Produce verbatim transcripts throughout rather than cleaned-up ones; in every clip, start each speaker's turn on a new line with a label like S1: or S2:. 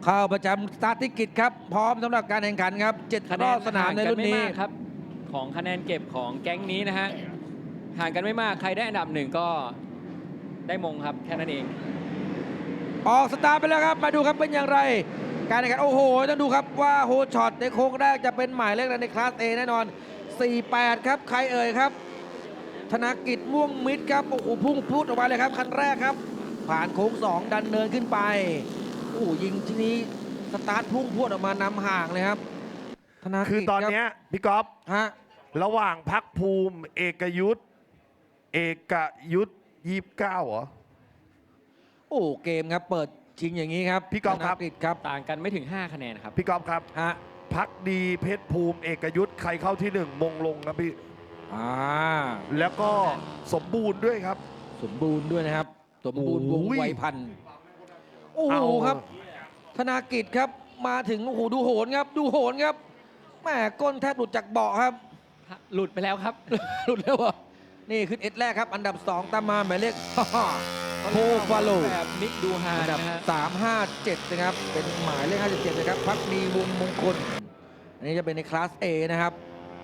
S1: เข้าประจำสตาร์ทติกิจครับพร้อมสำหรับการแข่งขันครับเจ็ดรอบสนามในรุ่นนี้
S2: ครับของคะแนนเก็บของแก๊งนี้นะฮะห่างกันไม่มากใครได้อันดับหนึ่งก็ได้มงครับแค่นั้นเอง
S1: ออกสตาร์ทไปแล้วครับมาดูครับเป็นอย่างไรการแข่งขันโอ้โหต้องดูครับว่าโฮช็อตในโค้งแรกจะเป็นหมายเลขในคลาส A แน่นอนสี่แปดครับใครเอ่ยครับธนกิจม่วงมิตรครับโอ้โหพุ่งพูดออกมาเลยครับคันแรกครับผ่านโค้งสองดันเนินขึ้นไปโอ้ยิงทีนี้สตาร์ทพุ่งพูดออกมานำห่างเลยครับธนกิจ
S3: คือตอนนี้พี่ก๊อฟ
S1: ฮะ
S3: ระหว่างพักภูมิเอกยุทธเอกยุทธยี่สิบเก้าเหรอ
S1: โอ้เกมครับเปิดชิงอย่างนี้ครับ
S3: พี่ก๊อฟครับ
S1: ครับ
S2: ต่างกันไม่ถึงห้าคะแนนครับ
S3: พี่ก๊อฟครับ
S1: ฮะ
S3: พักดีเพชรภูมิเอกยุทธใครเข้าที่หนึ่งมงลงครับพี่
S1: อ่า
S3: แล้วก็สมบูรณ์ด้วยครับ
S1: สมบูรณ์ด้วยนะครับสมบูรณ์วงไวพันธุ์โอ้โหครับธนากิจครับมาถึงโอ้โหดูโหนครับดูโหนครับแม่ก้นแทบหลุดจากเบาะครับ
S2: หลุดไปแล้วครับ
S1: หลุดแล้ววะนี่ขึ้นเอ็ดแรกครับอันดับสองตามมาหมายเลขโคฟาโล
S2: แบบนิกดูฮา
S1: อันดับสามห้าเจ็ดนะครับเป็นหมายเลขห้าสิบเจ็ดนะครับพักดีวงมงคลอันนี้จะเป็นในคลาส A นะครับ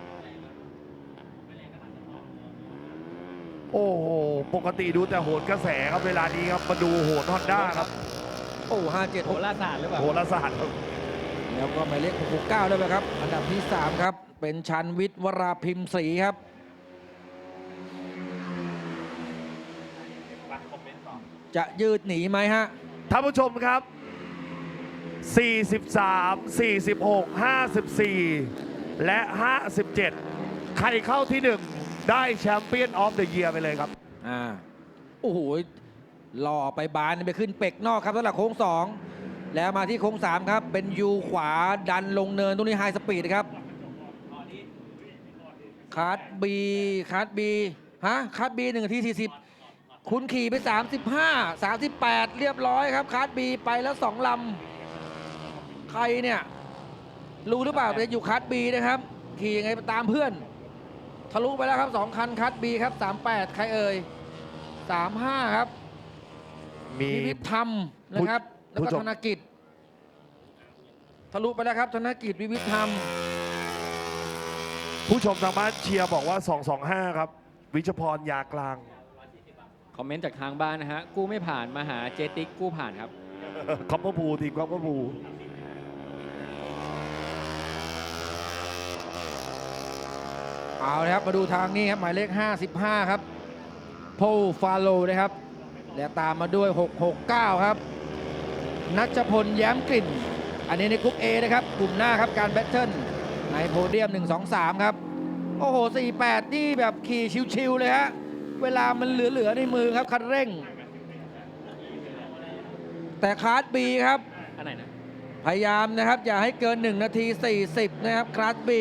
S3: โอ้โหปกติดูแต่โหนกระแสครับเวลานี้ครับมาดูโหนฮอนด้าครับ
S1: โอ้ห้าเจ็ด
S2: โหราศาสตร์หรือเปล่า
S3: โหราศาสตร์ครับ
S1: แล้วก็หมายเลขหกเก้าด้วยครับอันดับที่สามครับเป็นชันวิทย์วราพิมพ์ศรีครับจะยืดหนีไหมฮะ
S3: ท่านผู้ชมครับสี่สิบสาม สี่สิบหก ห้าสิบสี่ และห้าสิบเจ็ดใครเข้าที่หนึ่งได้แชมเปี้ยนออฟเดอะเยียร์ไปเลยครับ
S1: อ่าโอ้โหหล่อไปบานไปขึ้นเป็กนอกครับสำหรับโค้งสองแล้วมาที่โค้งสามครับเป็นยูขวาดันลงเนินตรงนี้ไฮสปีดครับคาร์ดบีคาร์ดบีฮะคาร์ดบีหนึ่งนาทีสี่สิบคุณขี่ไปสามสิบห้า สามสิบแปดเรียบร้อยครับคาร์ดบีไปแล้วสองลำใครเนี่ยรู้หรือเปล่าเป็นอยู่คาร์ดบีนะครับขี่ยังไงตามเพื่อนทะลุไปแล้วครับสองคันคัดบีครับสามแปดใครเอ่ยสามห้าครับ
S3: มี
S1: วิวิธรรมนะครับแล้วก็ธนกิจทะลุไปแล้วครับธนกิจวิวิธรรม
S3: ผู้ชมทางบ้านเชียร์บอกว่าสองสองห้าครับวิชพรยากลาง
S2: คอมเมนต์จากทางบ้านนะฮะกู้ไม่ผ่านมาหาเจติกกู้ผ่านครับ
S3: คอปเปอร์พูทีมคอปเปอร์พู
S1: เอาเลยครับมาดูทางนี้ครับหมายเลขห้าสิบห้าครับโพฟาโลนะครับและตามมาด้วยหกหกเก้าครับนัชพลแย้มกลิ่นอันนี้ในกลุ่ม A นะครับกลุ่มหน้าครับการแบทเทิลในโพเดียมหนึ่ง สอง สามครับโอ้โหสี่แปดนี่แบบขี่ชิวๆเลยฮะเวลามันเหลือๆในมือครับคันเร่งแต่คลาส B ครับ
S2: อันไหนนะ
S1: พยายามนะครับอย่าให้เกินหนึ่งนาทีสี่สิบนะครับคลาส B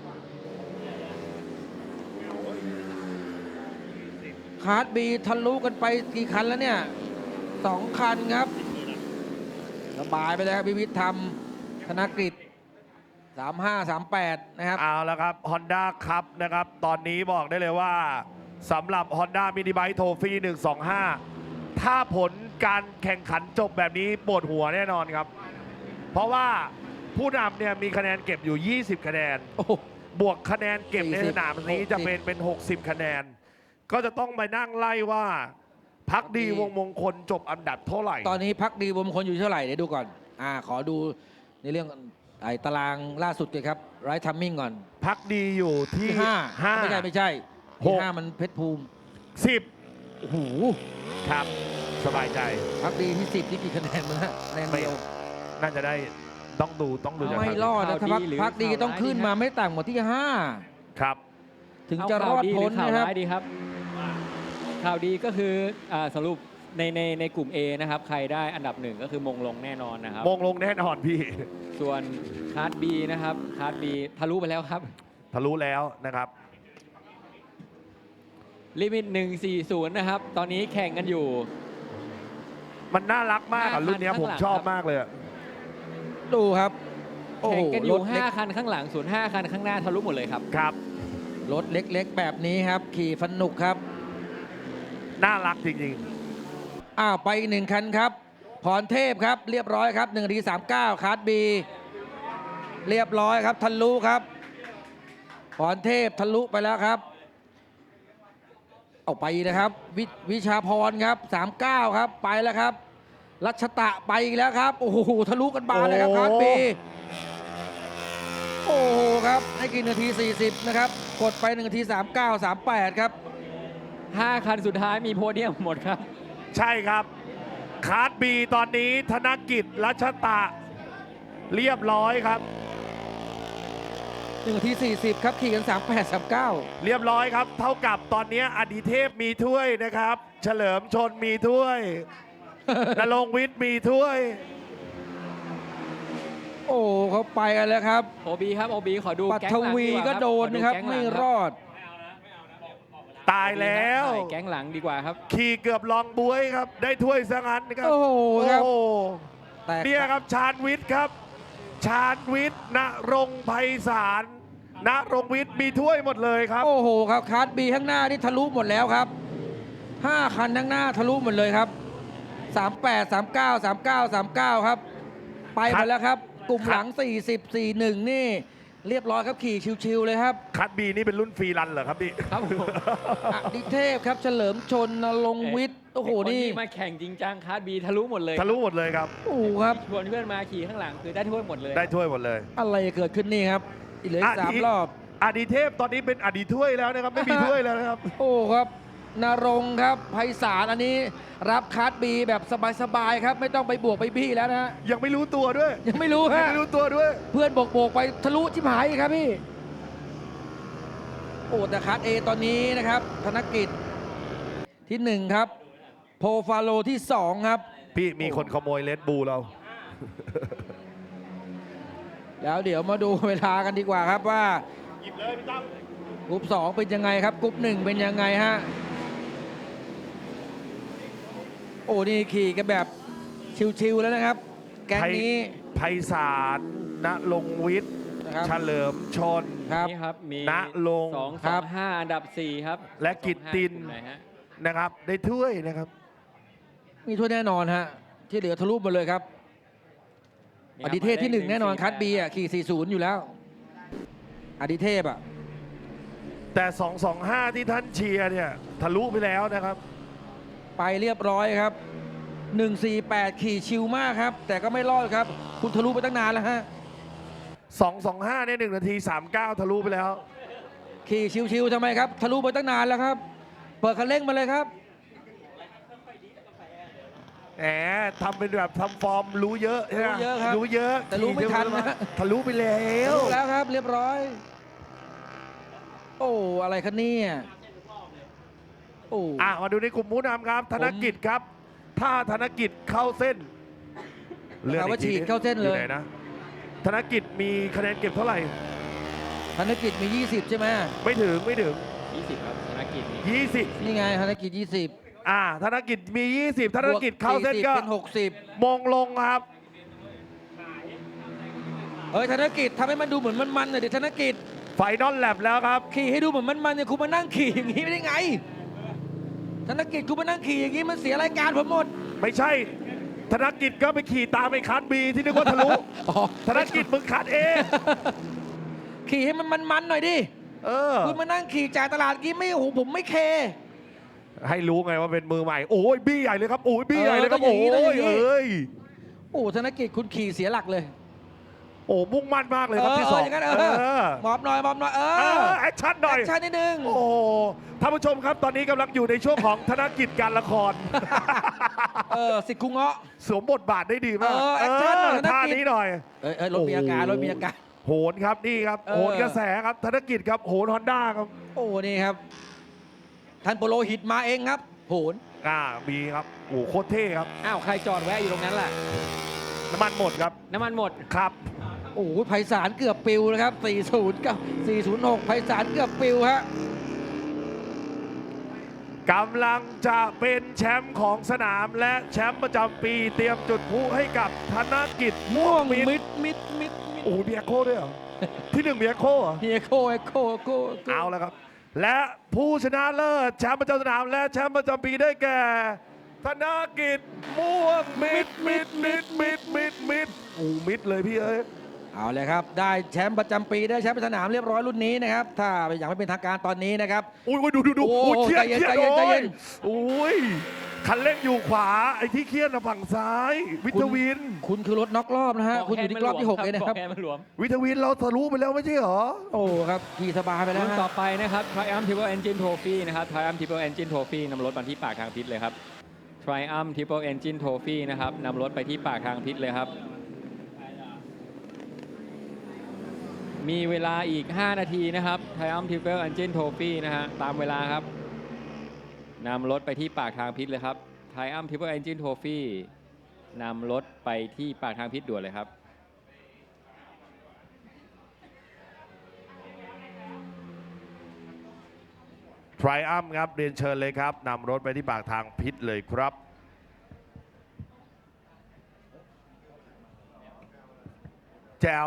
S1: คาร์ดบีทะลุกันไปกี่คันแล้วเนี่ยสองคันครับระบายไปเลยครับพิวิทย์ธรรมธนกฤษสามห้า สามแปดนะครับ
S3: เอาแล้วครับ Honda ครับนะครับตอนนี้บอกได้เลยว่าสำหรับ Honda Mini Bike Trophy หนึ่ง สอง ห้าถ้าผลการแข่งขันจบแบบนี้ปวดหัวแน่นอนครับเพราะว่าผู้นำเนี่ยมีคะแนนเก็บอยู่ยี่สิบคะแนนบวกคะแนนเก็บในสนามนี้จะเป็นเป็นหกสิบคะแนนก็จะต้องไปนั่งไล่ว่าพักดีวงมงคลจบอันดับเท่าไหร่
S1: ตอนนี้พักดีวงมงคลอยู่เท่าไหร่เดี๋ยวดูก่อนอ่าขอดูในเรื่องไอ้ตารางล่าสุดเลยครับไรทัมมิ่งก่อน
S3: พักดีอยู่ที่
S1: ห้าไม่ใช่ไม่ใช่ที่ห้ามันเพชรภูมิ
S3: สิบ
S1: โอ้โห
S3: ครับสบายใจ
S1: พักดีที่สิบที่กี่คะแนนมั้งฮะคะแนนเดียว
S3: น่าจะได้ต้องดูต้องดู
S1: ไม่รอดนะถ้าพักดีต้องขึ้นมาไม่ต่ำกว่าที่ห้า
S3: ครับ
S1: ถึงจะรอดพ้นนะครับ
S2: ดีครับข่าวดีก็คือสรุปในในในกลุ่ม A นะครับใครได้อันดับหนึ่งก็คือมงลงแน่นอนนะครับ
S3: มงลงแน่นอนพี่
S2: ส่วนคาร์ด B นะครับคาร์ด B ทะลุไปแล้วครับ
S3: ทะลุแล้วนะครับ
S2: ลิมิตหนึ่งสี่ศูนย์นะครับตอนนี้แข่งกันอยู่
S3: มันน่ารักมากรุ่นนี้ผมชอบมากเลย
S1: ดูครับ
S2: แข่งกันอยู่ห้าคันข้างหลังส่วนห้าคันข้างหน้าทะลุหมดเลยครับ
S3: ครับ
S1: รถเล็กๆแบบนี้ครับขี่สนุกครับ
S3: น่ารักจริง
S1: ๆอ้าวไปอีกหนึ่งคันครับพรเทพครับเรียบร้อยครับหนึ่งนาทีสามเก้าคาร์ดบีเรียบร้อยครับทะลุครับพรเทพทะลุไปแล้วครับเอาไปนะครับววิชาพรครับสามเก้าครับไปแล้วครับรัชตะไปอีกแล้วครับโอ้โหทะลุกันบานเลยครับคาร์ดบีโอ้โหครับให้กินนาทีสี่สิบนะครับกดไปหนึ่งนาทีสามเก้า สามแปดครับ
S2: ห้าคันสุดท้ายมีโพเดียมหมดครับ
S3: ใช่ครับคาร์ดบีตอนนี้ธนกิจรัชตะเรียบร้อยครับ
S1: หนึ่งนาทีสี่สิบครับขี่กัน สามแปด สามเก้า
S3: เรียบร้อยครับ เท่ากับตอนนี้อดิเทพมีถ้วยนะครับ เฉลิมชนมีถ้วย นรงค์วิทย์มีถ้วย
S1: โอ้เขาไปกันแล้วครับ
S2: โอบีครับโอบีขอดู
S1: ปั
S2: แก๊ง
S1: ท
S2: หลัง
S1: วี
S2: ดีว่า
S1: ก็โดนนะครับ
S2: ขอแก๊งหลั
S1: ไม่
S2: งค
S1: ร
S2: บ
S1: อด
S3: ตายแล้ว
S2: ใช่แก๊งหลังดีกว่าครับ
S3: ขี่เกือบลองบวยครับ ได้ถ้วยซะงั้นครับ
S1: โอ้โหครับ
S3: โอ้โห
S1: แต่
S3: เนี่ยครับชาญวิทย์ครับ ชาญวิทย์ณรงค์ไพศาลณรงค์วิทย์มีถ้วยหมดเลยครับ
S1: โอ้โหครับคาร์ดบีข้างหน้านี่ทะลุหมดแล้วครับห้าคันข้างหน้าทะลุหมดเลยครับสามแปด สามเก้า สามเก้า สามเก้าครับไปหมดแล้วครับกลุ่มหลังสี่สิบ สี่สิบเอ็ดนี่เรียบร้อยครับขี่ชิวๆเลยครับ
S3: คัดบีนี่เป็นรุ่นฟรีรันเหรอครับพี่
S2: ครับผม
S1: อดิเทพครับเฉลิมชนนรงค์วิทย์โอ้โห
S2: ไคน
S1: นี่
S2: ที่มาแข่งจริงจังคาร์ดบีทะลุหมดเลย
S3: ทะลุหมดเลยครับ
S1: โอ้โหครับ
S2: ชวนเพื่อนมาขี่ข้างหลังคือได้ถ้วยหมดเลย
S3: ได้ถ้วยหมดเลย
S1: อะไรเกิดขึ้นนี่ครับอีกเหลืออีกสามรอบ
S3: อดีเทพตอนนี้เป็นอดีถ้วยแล้วนะครับ ไม่มีถ้วยแล้วนะครับ
S1: โอ้ครับนรงค์ครับไพศาลอันนี้รับคาร์ดบีแบบสบายๆครับไม่ต้องไปบวกไปบี้แล้วนะฮะ
S3: ยังไม่รู้ตัวด้วย
S1: ยังไม่รู้
S3: ยัง
S1: ฮะ
S3: ไม่รู้ตัวด้วย
S1: เพื่อนโบกๆไปทะลุชิบหายอีกครับพี่โอ้แต่คาร์ดเอตอนนี้นะครับธนกิจที่หนึ่งครับโพฟาโลที่สองครับ
S3: พี่มีคนขโมยเลดบูลเรา
S1: แล้วเดี๋ยวมาดูเวลากันดีกว่าครับว่า
S3: หยิบเลยพี่ตั้ม
S1: กรุ๊ปสองเป็นยังไงครับกรุ๊ปหนึ่งเป็นยังไงฮะโอ้นี่ขี่กันแบบชิวๆแล้วนะครับ แก๊งนี้
S3: ไพศาลณรงค์วิทย์
S1: นะครับ
S3: เฉลิมชน
S1: ครับ
S2: นี่ครับมี
S3: ณลงค์
S2: สอง
S1: ค
S2: ส
S1: รั
S2: อบ งห้าอันดับสี่ครับ
S3: และกิตติน
S2: กลุ่มไหนฮะ
S3: นะครับ ได้ถ้วยนะครับ
S1: มีทั่วแน่นอนฮะที่เหลือทะลุหมดเลยครับ
S2: นี่
S1: อ
S2: ครับ
S1: ดิเทพที่หนึ่งแน่นอน
S2: หงสี่
S1: คัดบีอ่ะขี่สี่สิบอยู่แล้ว อดิเทพอ่ะ
S3: แต่สองสองห้าที่ท่านเชียร์เนี่ยทะลุไปแล้วนะครับ
S1: ไปเรียบร้อยครับหนึ่งสี่แปดขี่ชิวมากครับ แต่ก็ไม่รอดครับ คุณทะลุไปตั้งนานแล้วฮะ
S3: สองสองห้าเนี่ยหนึ่งนาทีสามเก้าทะลุไปแล้ว
S1: ขี่ชิวๆทำไมครับ ทะลุไปตั้งนานแล้วครับ เปิดคันเร่งมาเลยครับ
S3: แหมทำเป็นแบบทำฟอร์มรู้เยอะใช่ไหม
S1: รู้เยอะครับ
S3: รู้เยอะ
S1: แต่รู้ไม่ทันนะ
S3: ทะลุไปแล้
S1: ทะ
S3: ว
S1: ลุแล้วครับ เรียบร้อย โอ้อะไรคะเนี่ยโอ้
S3: อ่ะมาดูในกลุ่มผู้นำครับ ธนกิจครับ ถ้าธนกิจเข้าเส้น
S1: นะครับว่า
S3: อีกที
S1: ฉีดเข้าเส้นเลย
S3: อไหนะธนกิจมีคะแนนเก็บเท่าไหร่
S1: ธนกิจมี ยี่สิบ ใช่ไหม
S3: ไม่ถึงไม่ถึง
S2: ยี่สิบครับธนกิจนี่
S3: ยี่สิบ
S1: นี่ไงธนกิจ ยี่สิบ
S3: อ่าธนกิจมี ยี่สิบ ธนกิจเข้าเส้นก็
S1: เป็น หกสิบ
S3: มงลงครับ
S1: เฮ้ยธนกิจทำให้มันดูเหมือนมันๆหน่อยดิธนกิจ
S3: ไฟนอลแลบแล้วครับ
S1: ขี่ให้ดูเหมือนมันๆเนี่ยคุณมานั่งขี่อย่างนี้ไม่ได้ไง ธนกิจคุณมานั่งขี่อย่างนี้มันเสียรายการผมหมด
S3: ไม่ใช่ ธนกิจก็ไปขี่ตามไอ้คันบีที่นึกว่าทะลุ
S1: อ๋อ
S3: ธนกิจมึงคัดเอง
S1: ขี่ให้มันมันๆหน่อยดิ
S3: เออ
S1: คุณมานั่งขี่จ่ายตลาดกี้ไม่โอ้โหผมไม่เค
S3: ให้รู้ไงว่าเป็นมือใหม่ โอ้ยบี้ใหญ่เลยครับ โอ้ยบี้ใหญ่เลยครับ
S1: เออก็
S3: โอ้
S1: อย่างนี้
S3: ย
S1: ก็อย่างนี้
S3: เอ้ย
S1: โอ้ธนกิจคุณขี่เสียหลักเลย
S3: โอ้มุ่งมั่นมากเลย
S1: เอ
S3: ครับ
S1: อ
S3: ที่
S1: เอ
S3: สอ
S1: อง อย่างนั้นเออ
S3: เออ
S1: หมอบหน่อยหมอบหน่อยเอ
S3: เอ
S1: อ
S3: อแอคชั่นหน่อย
S1: แอคชั่นนิดนึง
S3: โอ้โหท่านผู้ชมครับตอนนี้กำลังอยู่ในช่วงของธนกิจการละคร
S1: เออสิทธิ์คุงเงาะ
S3: สวมบทบาทได้ดีมาก
S1: เออแอคชั่นหน่อย
S3: เออ
S1: ธนกิจ
S3: ท่านี้หน่อย
S1: เอ้ยเอ้ยรถมีอาการรถมีอาการ
S3: โหนครับนี่ครับ
S1: เออ
S3: โหนกระแสครับธนกิจครับโหนฮอนด้าครับ
S1: โอ้นี่ครับ ท่านโปโลหิตมาเองครับโหน
S3: อ่ามีครับโอ้โหโคตรเท่ครับ
S2: อ้าวใครจอดแวะอยู่ตรงนั้นล่ะ
S3: น้ำมันหมดครับ
S2: น้ำมันหมด
S3: ครับ
S1: โอ้โหไพศาลเกือบปิวนะครับสี่สิบกับสี่ศูนย์หกไพศาลเกือบปิวฮะ
S3: กำลังจะเป็นแชมป์ของสนามและแชมป์ประจำปีเตรียมจุดพลุให้กับธนกิจม่วงมิตร
S1: มิดมิดมิดมิด
S3: โอ้โหมีเอโคด้วยเหรอ ที่หนึ่งมีเอโคเหรอ
S1: เฮโคเอโคเอโค
S3: เอาแล้วครับ และผู้ชนะเลิศแชมป์ประจำสนามและแชมป์ประจำปีได้แก่ธนกิจม่วงมิดมิดมิดมิดมิดมิดโอ้มิดเลยพี่เอ้ย
S1: เอาเลยครับ ได้แชมป์ประจำปีได้แชมป์สนามเรียบร้อยรุ่นนี้นะครับ ถ้าอย่างไม่เป็นทางการตอนนี้นะครับ
S3: อุ้ยดูดูดู
S1: โอ้
S3: โอ้ยเครียด
S1: ใจเย็น
S3: เครียด
S1: ใจเย็นใจเย็น
S3: โอ้ยคันเร่งอยู่ขวา ไอ้ที่เครียดนะฝั่งซ้าย วิทวิน
S1: คุณคือรถน็อกรอบนะฮะ คุณอยู่ที่รอบที่หกเลยนะครับ
S2: แค่มันหลวม
S3: วิทวินเราทะลุไปแล้วไม่ใช่เหรอ
S1: โอ้ครับขี่สบายไปแล้ว
S2: รุ่น
S1: ฮะ
S2: ต่อไปนะครับ Triumph Triple Engine Trophy นะครับ Triumph Triple Engine Trophy นำรถมาที่ปากทางพิษเลยครับ Triumph Triple Engine Trophy นะครับนำรถไปที่ปากทางพิษเลยครับ มีเวลาอีก ห้า นาทีนะครับ Triumph Triple Engine Trophy นะฮะตามเวลาครับนำรถไปที่ปากทางพิษเลยครับ Triumph Triple Engine Trophy นำรถไปที่ปากทางพิษด่วนเลยครับ
S3: ทริอัมครับเรียนเชิญเลยครับนำรถไปที่ปากทางพิษเลยครับ แจ๋ว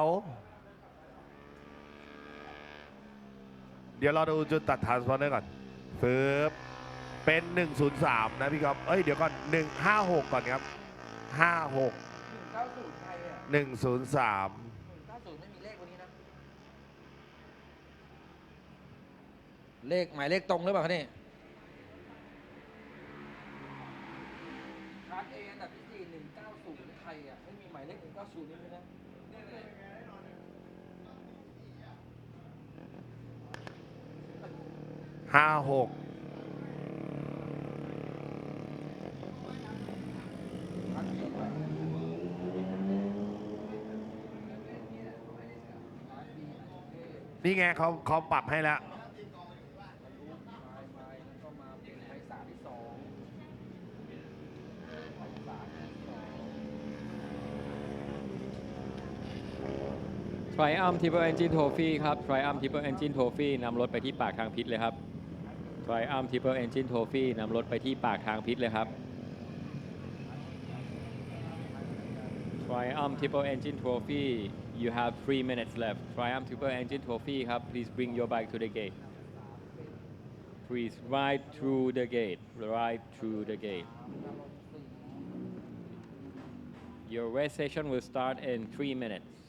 S3: เดี๋ยวเราดูจุดตัดทานสปอนเนอร์ก่อนฟืบเป็น หนึ่งศูนย์สาม นะพี่ครับ เอ้ย เดี๋ยวก่อน หนึ่งห้าหก ก่อนครับ ห้าหก หนึ่งศูนย์สาม
S1: ไม่มีเลขวันนี้นะ เลขหมายเลขตรงหรือเปล่าคะนี่คลาสเออันดับที่สี่หนึ่งเก้าศูนย์ไทยอ่ะไม่มีหมายเลขหนึ่งเก้าศูนย์นี่เลยนะ
S3: ห้าหก นี่ไงเขาเขาปรับให้แล้ว
S2: Triumph Triple Engine Trophy ครับ Triumph Triple Engine Trophy นำรถไปที่ปากทางพิษเลยครับ Triumph Triple Engine Trophy นำรถไปที่ปากทางพิษเลยครับ Triumph Triple Engine Trophy you have three minutes left Triumph Triple Engine Trophy ครับ please bring your bike to the gate please ride through the gate ride through the gate your race session will start in three minutes